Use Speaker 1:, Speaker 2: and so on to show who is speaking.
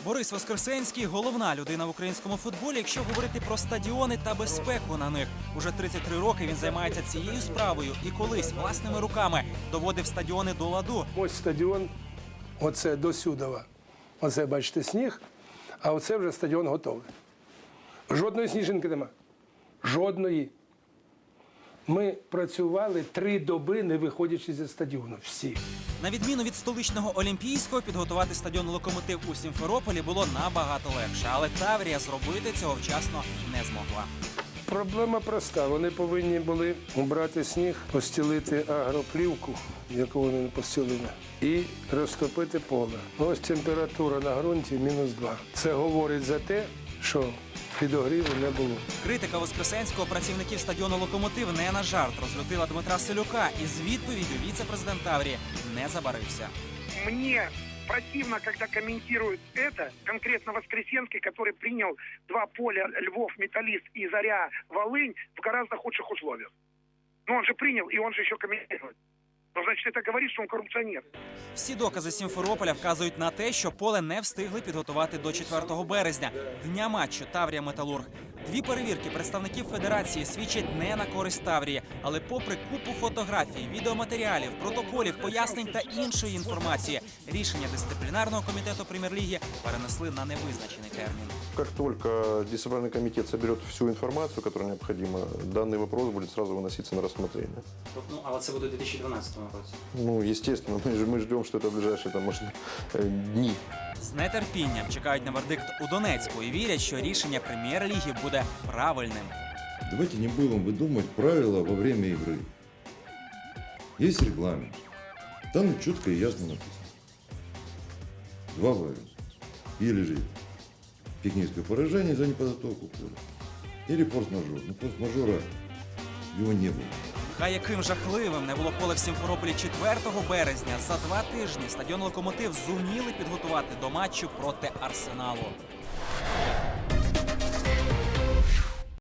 Speaker 1: Борис Воскресенський – головна людина в українському футболі, якщо говорити про стадіони та безпеку на них. Уже 33 роки він займається цією справою і колись власними руками доводив стадіони до ладу.
Speaker 2: Ось стадіон, оце до Сюдова. Оце, бачите, сніг, а оце вже стадіон готовий. Жодної сніжинки нема. Жодної. Ми працювали 3 доби, не виходячи зі стадіону. Всі.
Speaker 1: На відміну від столичного Олімпійського, підготувати стадіон «Локомотив» у Сімферополі було набагато легше. Але Таврія зробити цього вчасно не змогла.
Speaker 2: Проблема проста. Вони повинні були убрати сніг, постілити агроплівку, яку вони не постілили, і розтопити поле. Ось температура на ґрунті -2. Це говорить за те, що підогріву не було.
Speaker 1: Критика Воскресенського працівників стадіону «Локомотив» не на жарт розлютила Дмитра Селюка. І з відповіддю віце-президент Таврії не забарився.
Speaker 3: Мне противно, когда комментируют это, конкретно Воскресенский, который принял 2 поля Львов, Металлист и Заря, Волынь в гораздо худших условиях. Но он же принял, и он же еще комментирует. Ну, значит, это говорит, что он коррупционер.
Speaker 1: Всі докази Сімферополя вказують на те, що поле не встигли підготувати до 4 березня, дня матчу Таврія-Металург. 2 перевірки представників федерації свідчать не на користь Таврії. Але попри купу фотографій, відеоматеріалів, протоколів, пояснень та іншої інформації, рішення дисциплінарного комітету прем'єр-ліги перенесли на невизначений термін.
Speaker 4: Как только дисциплинарный комитет соберет всю информацию, которая необходима, данный вопрос будет сразу выноситься на рассмотрение.
Speaker 1: Ну, але це буде у 2012 році.
Speaker 4: Ну, естественно, мы ждем, что это в ближайшие там, может, дни.
Speaker 1: З нетерпінням чекають на вердикт у Донецьку і вірять, що рішення прем'єр-ліги буде правильним.
Speaker 5: Давайте не будем выдумывать правила во время игры. Есть регламент. Там четко и ясно написано. 2 варианта. Или же техническое поражение за неподготовку поля. Или форс-мажор. Но форс-мажора его не было.
Speaker 1: Хай яким жахливим не було поле в Сімферополі 4 березня, за 2 тижні стадіон «Локомотив» зуміли підготувати до матчу проти Арсеналу.